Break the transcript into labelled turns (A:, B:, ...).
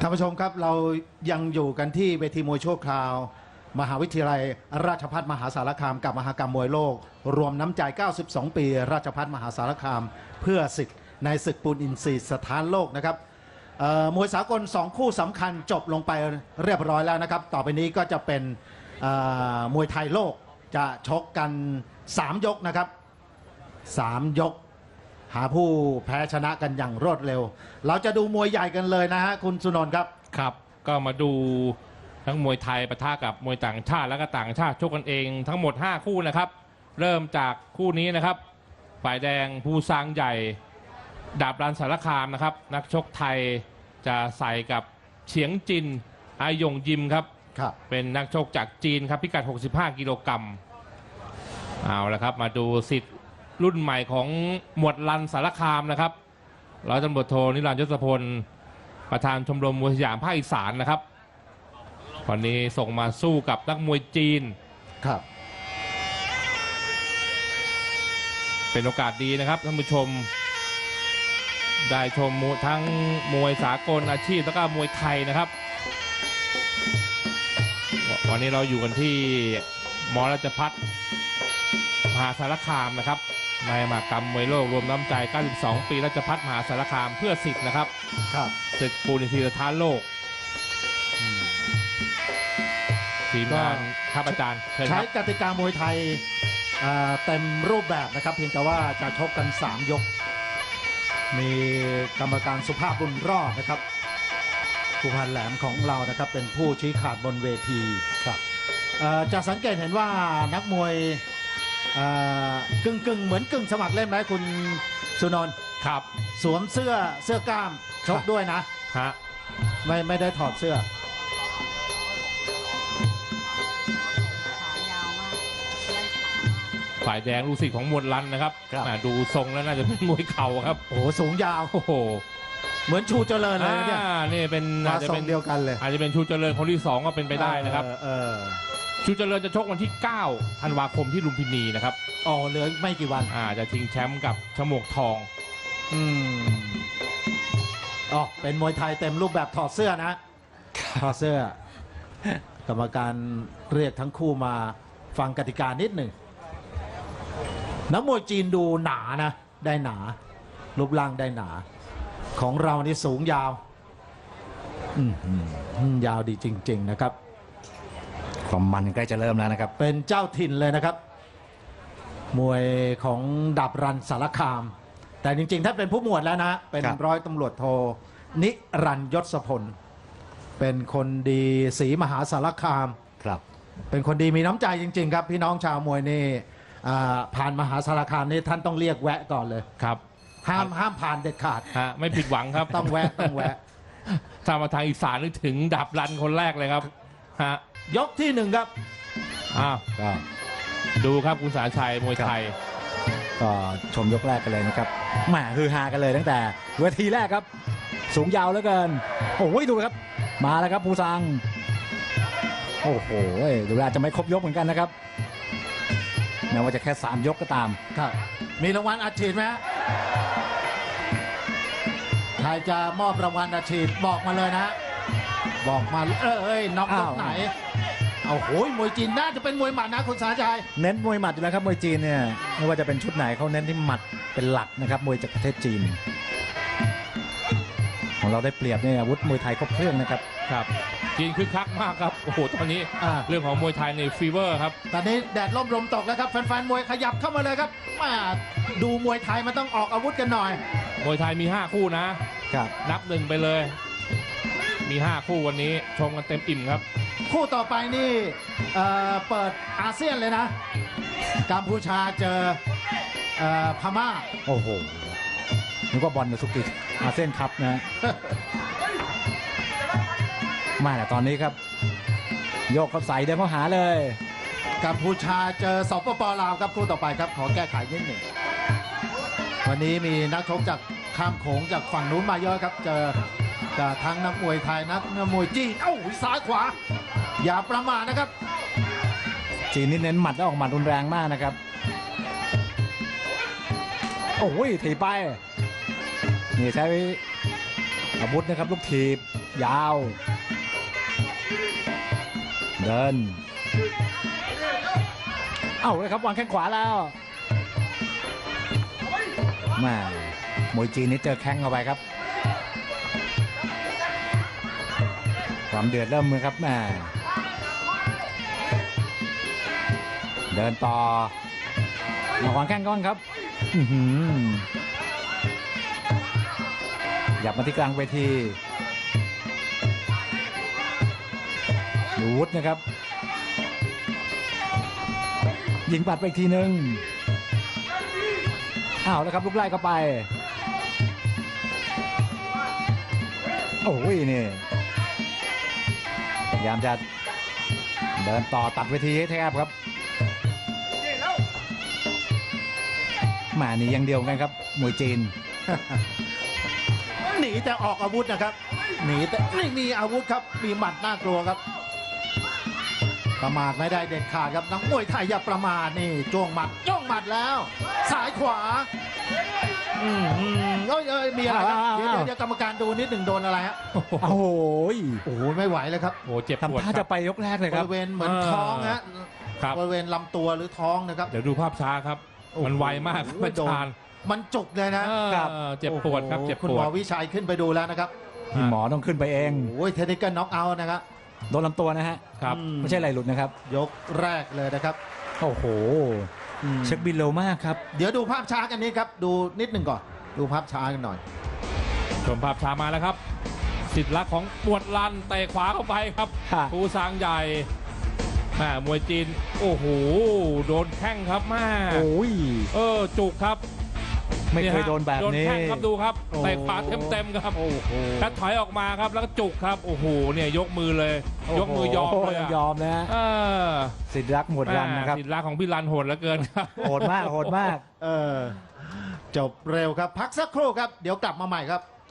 A: ท่านผู้ชมครับเรายังอยู่กันที่เวทีมวยชั่วคราว มหาวิทยาลัยราชภัฏมหาสารคามกับมหกรรมมวยโลก รวมน้ำใจ 92 ปี ราชภัฏมหาสารคาม เพื่อสิทธิ์ในศึกปูนอินทรีย์สถานโลกนะครับมวยสากล2คู่สำคัญจบลงไปเรียบร้อยแล้วนะครับต่อไปนี้ก็จะเป็นมวยไทยโลกจะชกกัน3 ยกนะครับ3 ยกหาผู้แพ้ชนะกันอย่างรวดเร็วเราจะดูมวยใหญ่กันเลยนะฮะคุณสุนนท์ครับ
B: ครับก็มาดูทั้งมวยไทยปะทะกับมวยต่างชาติและก็ต่างชาติชกกันเองทั้งหมด5คู่นะครับเริ่มจากคู่นี้นะครับฝ่ายแดงภูซางใหญ่ดาบรันสารคามนะครับนักชกไทยจะใส่กับเฉียงจินอายงยิมครับเป็นนักชกจากจีนครับพิกัด65 กิโลกรัมเอาละครับมาดูสิทธิ์รุ่นใหม่ของหมวดรันสารคามนะครับร้อยตำรวจโทนิรันดร์ยศพลประธานชมรมมวยสยามภาคอีสานนะครับวันนี้ส่งมาสู้กับนักมวยจีน
A: ครับ
B: เป็นโอกาสดีนะครับท่านผู้ชมได้ชมทั้งมวยสากลอาชีพแล้วก็มวยไทยนะครับวันนี้เราอยู่กันที่มราชภัฏมหาสารคามนะครับในมหกรรมมวยโลกรวมน้ำใจ 92 ปีราชภัฏมหาสารคามเพื่อสิทธิ์นะครับศึกปูนอินทรีย์สถานโลกทีมงานครับอาจารย์
A: ใช้กติกามวยไทยเต็มรูปแบบนะครับเพียงแต่ว่าจะชกกัน3 ยกมีกรรมการสุภาพบุญรอดนะครับผู้พันแหลมของเรานะครับเป็นผู้ชี้ขาดบนเวทีครับจะสังเกตเห็นว่านักมวยกึ่งเหมือนกึ่งสมัครเล่นไหมคุณสุนนท์
B: ครับ
A: สวมเสื้อกล้ามชกด้วยนะ
B: ฮะ
A: ไม่ได้ถอดเสื้อ
B: ฝ่ายแดงลูกศิษย์ของมวลรันนะครับดูทรงแล้วน่าจะเป็นมวยเข่าครับ
A: โอ้โหสูงยาว
B: โอ้โห
A: เหมือนชูเจริญเลยเนี่ย
B: นี่เป็น
A: อาจจะเป็นเดียวกันเลย
B: อาจจะเป็นชูเจริญคนที่2ก็เป็นไปได้นะครับชูเจริญจะชกวันที่9 ธันวาคมที่ลุมพินีนะครับ
A: เหลือไม่กี่วัน
B: จะชิงแชมป์กับฉมวกทอง
A: เป็นมวยไทยเต็มรูปแบบถอดเสื้อนะถอดเสื้อกรรมการเรียกทั้งคู่มาฟังกติกานิดหนึ่งนักมวยจีนดูหนานะได้หนารูปร่างได้หนาของเรานี่สูงยาวยาวดีจริงๆนะครับ
C: ความมันใกล้จะเริ่มแล้วนะครับ
A: เป็นเจ้าถิ่นเลยนะครับมวยของดาบรันสารคามแต่จริงๆถ้าเป็นผู้หมวดแล้วนะเป็นร้อยตำรวจโทนิรันดร์ยศพลเป็นคนดีศรีมหาสารคาม
C: ครับ
A: เป็นคนดีมีน้ำใจจริงๆครับพี่น้องชาวมวยนี่ผ่านมหาสารคามนี่ท่านต้องเรียกแวะก่อนเลย
B: ครับ
A: ห้ามผ่านเด็ดขาด
B: ไม่ผิดหวังครับ
A: ต้องแวะ
B: ถ้ามาทางอีสานนึกถึงดาบรันคนแรกเลยครับ
A: ยกที่1ครับ
B: ก็ดูครับคุณสาชัยมวยไทย
C: ก็ชมยกแรกกันเลยนะครับแหมฮือฮากันเลยตั้งแต่เวทีแรกครับสูงยาวเหลือเกินโอ้ยดูครับมาแล้วครับภูซางโอ้โหดูแล้วจะไม่ครบยกเหมือนกันนะครับแม้ว่าจะแค่3 ยกก็ตาม
A: ครับมีรางวัลอัดฉีดไหมใครจะมอบรางวัลอัดฉีดบอกมาเลยนะบอกมาน็อกยกไหนเอาโหยมวยจีนน่าจะเป็นมวยหมัดนะคุณสาชัย
C: เน้นมวยหมัดอยู่แล้วครับมวยจีนเนี่ยไม่ว่าจะเป็นชุดไหนเขาเน้นที่หมัดเป็นหลักนะครับมวยจากประเทศจีนของเราได้เปรียบเนี่ยอาวุธมวยไทยครบเครื่องนะครับ
B: ครับจีนคึกคักมากครับโอ้โหตอนนี้เรื่องของมวยไทยในฟีเวอร์ครับ
A: ตอนนี้แดดร่มลมตกแล้วครับแฟนๆมวยขยับเข้ามาเลยครับดูมวยไทยมันต้องออกอาวุธกันหน่อย
B: มวยไทยมี5 คู่นะครับนับ1ไปเลยมี5 คู่วันนี้ชมกันเต็มอิ่มครับ
A: คู่ต่อไปนี่เปิดอาเซียนเลยนะกัมพูชาเจอพม่า
C: โอ้โหนึกว่าบอลในสุกิอาเซียนคัพนะมาแต่ตอนนี้ครับโยกเขาใส่เดินเข้าหาเลย
A: กัมพูชาเจอสปป.ลาวครับคู่ต่อไปครับขอแก้ไขนิดหนึ่งวันนี้มีนักชกจากข้ามโขงจากฝั่งนู้นมาเยอะครับเจอทั้งนักมวยไทยนักมวยจีนซ้ายขวาอย่าประมาทนะครับ
C: จีนนี่เน้นหมัดแล้วออกหมัดรุนแรงมากนะครับโอ้ยถีบไปนี่ใช้อาวุธนะครับลูกถีบยาว เดิน เอ้าเลยครับวางแข้งขวาแล้วแม่มวยจีนนี่เจอแข้งเข้าไปครับความเดือดเริ่มมือครับแม่เดินต่อมาวางแข้งก้อนครับหยับมาที่กลางเวทีดูวุฒนะครับยิงปัดไปอีกทีหนึ่งอ้าวแล้วครับลูกไล่เข้าไปโอ้ยนี่พยายามจะเดินต่อตัดเวทีให้แทบครับแหม่หนีอย่างเดียวกันครับมวยจีน
A: หนีแต่ออกอาวุธนะครับหนีแต่ไม่มีอาวุธครับมีหมัดน่ากลัวครับประมาทไม่ได้เด็ดขาดครับนักมวยไทยอย่าประมาทนี่จ้วงหมัดแล้วซ้ายขวามีอะไรครับเดี๋ยวกรรมการดูนิดหนึ่งโดนอะไรฮะ
C: โอ้โห
A: โอ้โหไม่ไหวเลยครับ
B: โอ้เจ็บปวด
C: ทำท่า
B: ครั
C: จะ
B: บ
C: ไปยกแรกเลย
A: บ
C: ครับ
A: ริเวณเหมือนท้องฮะ
B: ครับ
A: บริเวณลำตัวหรือท้องนะครับ
B: เดี๋ยวดูภาพช้าครับ มันไวมากครับ
A: โอ้โห
B: อาจารย์
A: มันจุกเลยนะ
B: เจ็บปวดครับ
A: โอ้โห
B: เจ็บ
A: คุณ
B: ป
A: ห
B: ว
A: ม
B: ด
A: อวิชัยขึ้นไปดูแล้วนะครับ
C: พี่หมอต้องขึ้นไปเอง
A: โอ้ยเทคนิคน็อกเอาท์นะครับ
C: โดนลำตัวนะฮะ
B: ครับ
C: ไม่ใช่ไหลหลุดนะครับ
A: ยกแรกเลยนะครับ
C: โอ้โหเช็คบินเร็วมากครับ
A: เดี๋ยวดูภาพช้ากันนี้ครับดูนิดหนึ่งก่อนดูภาพช้ากันหน่อย
B: ชมภาพช้ามาแล้วครับ สิทธิ์รักของปวดลันเตะขวาเข้าไปครับ
C: ค่ะ
B: ภูซางใหญ่มวยจีนโอ้โหโดนแข้งครับแม่
C: โอ้ย
B: จุกครับ
C: ไม่เคยโดนแบบนี้
B: โดนแข้งครับดูครับ
C: โอ้
B: เตะขวาเต็มๆครับ
C: โอ้โห
B: แล้วถอยออกมาครับแล้วก็จุกครับโอ้โหเนี่ยยกมือเลย ยกมือยอมเลย
C: ยอมนะ
B: เออ
C: สิทธิ์รักหมดรันนะครับ
B: สิทธิ์รักของพี่รันโหดเหลือเกินครับ
C: โหดมากโหดมาก
A: จบเร็วครับพักสักครู่ครับเดี๋ยวกลับมาใหม่ครับ